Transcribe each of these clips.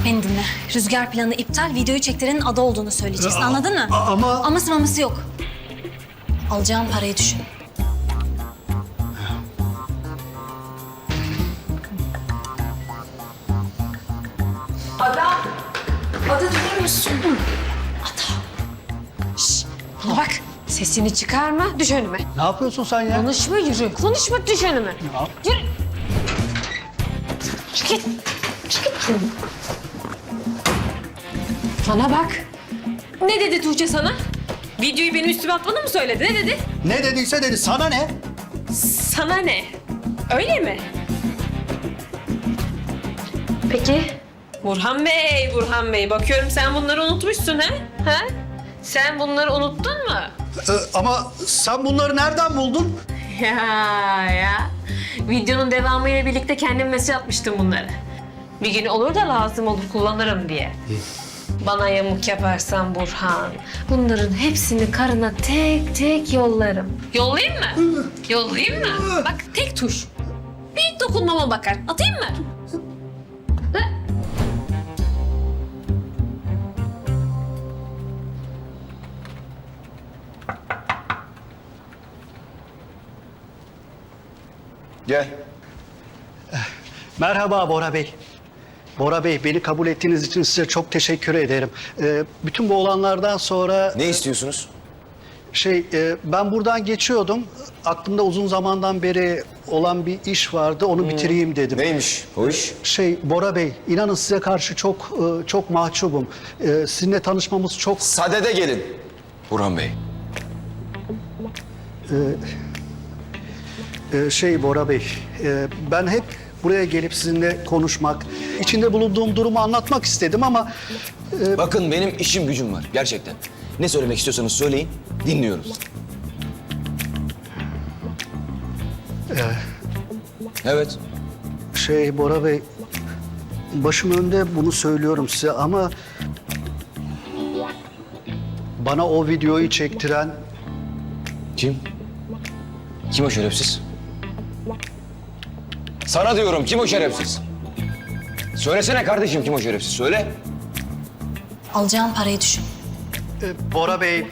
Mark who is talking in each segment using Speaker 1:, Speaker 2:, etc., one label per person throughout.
Speaker 1: Beni dinle. Rüzgar planı iptal, videoyu çektirenin ada olduğunu söyleyeceksin. Anladın mı?
Speaker 2: Ama...
Speaker 1: Aması maması yok. Alacağın parayı düşün.
Speaker 3: Ada durur musun?
Speaker 1: Bana bak.
Speaker 3: Sesini çıkarma, düş önüme.
Speaker 2: Ne yapıyorsun sen ya?
Speaker 3: Konuşma, yürü. Konuşma, düş önüme. Yürü. Çık git. Çık git. Bana bak. Ne dedi Tuğçe sana? Videoyu benim üstüme atmanı mı söyledi? Ne dedi?
Speaker 2: Ne dediyse dedi. Sana ne?
Speaker 3: Sana ne? Öyle mi? Peki. Burhan Bey. Bakıyorum sen bunları unutmuşsun ha? Ha? Sen bunları unuttun mu?
Speaker 2: Ama sen bunları nereden buldun?
Speaker 3: Ya. Videonun devamıyla birlikte kendim mesaj atmıştım bunları. Bir gün olur da lazım olur kullanırım diye. Bana yamuk yaparsan Burhan, bunların hepsini karına tek tek yollarım. Yollayayım mı? Yollayayım mı? Bak tek tuş. Bir dokunmama bakar. Atayım mı? Ha?
Speaker 4: Gel.
Speaker 2: Merhaba Bora Bey. Bora Bey, beni kabul ettiğiniz için size çok teşekkür ederim. Bütün bu olanlardan sonra...
Speaker 4: Ne istiyorsunuz?
Speaker 2: Ben buradan geçiyordum. Aklımda uzun zamandan beri olan bir iş vardı. Onu bitireyim dedim.
Speaker 4: Neymiş o iş?
Speaker 2: Bora Bey, inanın size karşı çok mahcubum. Sizinle tanışmamız çok...
Speaker 4: Sadede gelin. Burhan Bey.
Speaker 2: Bora Bey, ben hep buraya gelip sizinle konuşmak, içinde bulunduğum durumu anlatmak istedim ama...
Speaker 4: Bakın benim işim gücüm var gerçekten. Ne söylemek istiyorsanız söyleyin, dinliyorum. Evet.
Speaker 2: Bora Bey, başım önde bunu söylüyorum size ama... Bana o videoyu çektiren...
Speaker 4: Kim? Kim o şerefsiz? Sana diyorum kim o şerefsiz? Söylesene kardeşim kim o şerefsiz söyle.
Speaker 1: Alacağın parayı düşün.
Speaker 2: Bora Bey,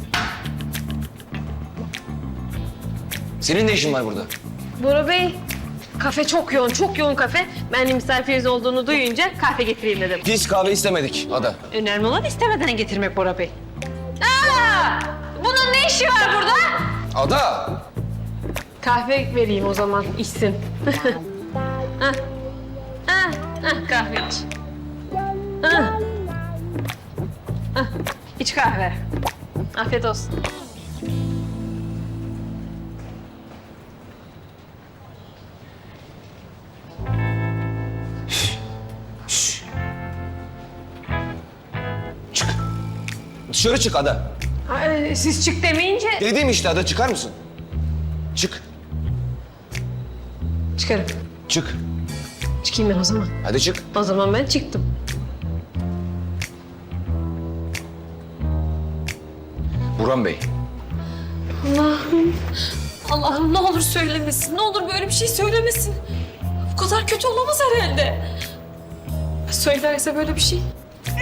Speaker 4: Senin ne işin var burada?
Speaker 3: Bora Bey, kafe çok yoğun kafe. Ben de misafiriniz olduğunu duyunca kahve getireyim dedim.
Speaker 4: Pis kahve istemedik Ada.
Speaker 3: Önemli olan istemeden getirmek Bora Bey. Aa! Bunun ne işi var burada?
Speaker 4: Ada!
Speaker 3: Kahve vereyim o zaman, içsin. Hah. Kahve iç. İç kahve. Afiyet olsun.
Speaker 4: Çık. Dışarı çık Ada.
Speaker 3: Siz çık demeyince...
Speaker 4: Dedim işte Ada çıkar mısın? Çık.
Speaker 3: Çıkarım.
Speaker 4: Çık.
Speaker 3: Çıkayım ben o zaman.
Speaker 4: Hadi çık.
Speaker 3: O zaman ben çıktım.
Speaker 4: Burhan Bey.
Speaker 3: Allah'ım ne olur söylemesin. Ne olur böyle bir şey söylemesin. Bu kadar kötü olamaz herhalde. Söylerse böyle bir şey.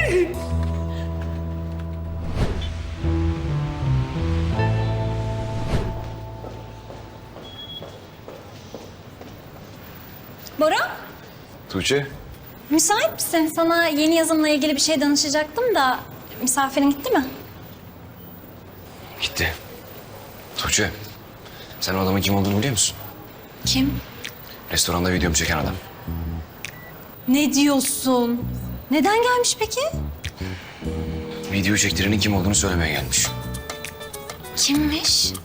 Speaker 1: Bora,
Speaker 4: Tuğçe.
Speaker 1: müsait misin? Sana yeni yazımla ilgili bir şey danışacaktım da misafirin gitti mi?
Speaker 4: Gitti. Tuğçe. Sen o adamın kim olduğunu biliyor musun?
Speaker 1: Kim?
Speaker 4: Restoranda videomu çeken adam.
Speaker 1: Ne diyorsun? Neden gelmiş peki?
Speaker 4: Video çektirenin kim olduğunu söylemeye gelmiş.
Speaker 1: Kimmiş?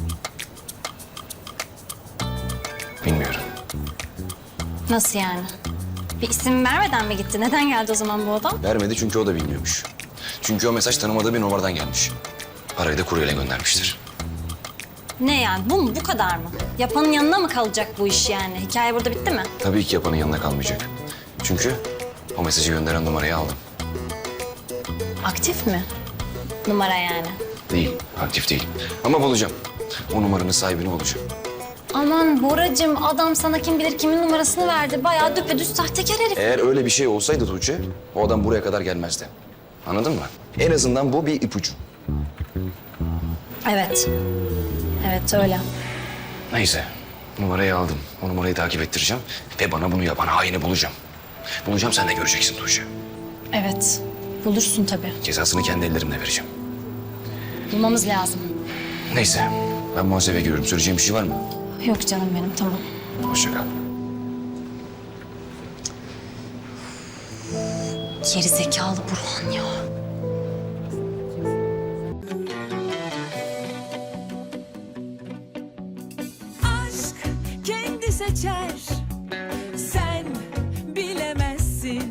Speaker 4: Bilmiyorum.
Speaker 1: Nasıl yani? Bir isim vermeden mi gitti? Neden geldi o zaman bu adam?
Speaker 4: Vermedi çünkü o da bilmiyormuş. Çünkü o mesaj tanımadığı bir numaradan gelmiş. Parayı da kuryeyle göndermiştir.
Speaker 1: Ne yani? Bu mu? Bu kadar mı? Yapanın yanına mı kalacak bu iş yani? Hikaye burada bitti mi?
Speaker 4: Tabii ki yapanın yanına kalmayacak. Çünkü o mesajı gönderen numarayı aldım.
Speaker 1: Aktif mi? Numara yani.
Speaker 4: Değil, aktif değil. Ama bulacağım. O numaranın sahibini bulacağım.
Speaker 1: Aman Boracığım, adam sana kim bilir kimin numarasını verdi. Bayağı düpedüz sahtekar herif.
Speaker 4: Eğer öyle bir şey olsaydı Tuğçe, o adam buraya kadar gelmezdi. Anladın mı? En azından bu bir ipucu.
Speaker 1: Evet. Evet öyle.
Speaker 4: Neyse, numarayı aldım. O numarayı takip ettireceğim ve bana bunu yapan haini bulacağım. Bulacağım, sen de göreceksin Tuğçe.
Speaker 1: Evet. Bulursun tabii.
Speaker 4: Cezasını kendi ellerimle vereceğim.
Speaker 1: Bulmamız lazım.
Speaker 4: Neyse, ben muhasebeye giriyorum. Söyleyeceğim bir şey var mı?
Speaker 1: Yok canım benim, tamam.
Speaker 4: Hoşça kal.
Speaker 1: Geri zekalı Burhan ya.
Speaker 5: aşk kendi seçer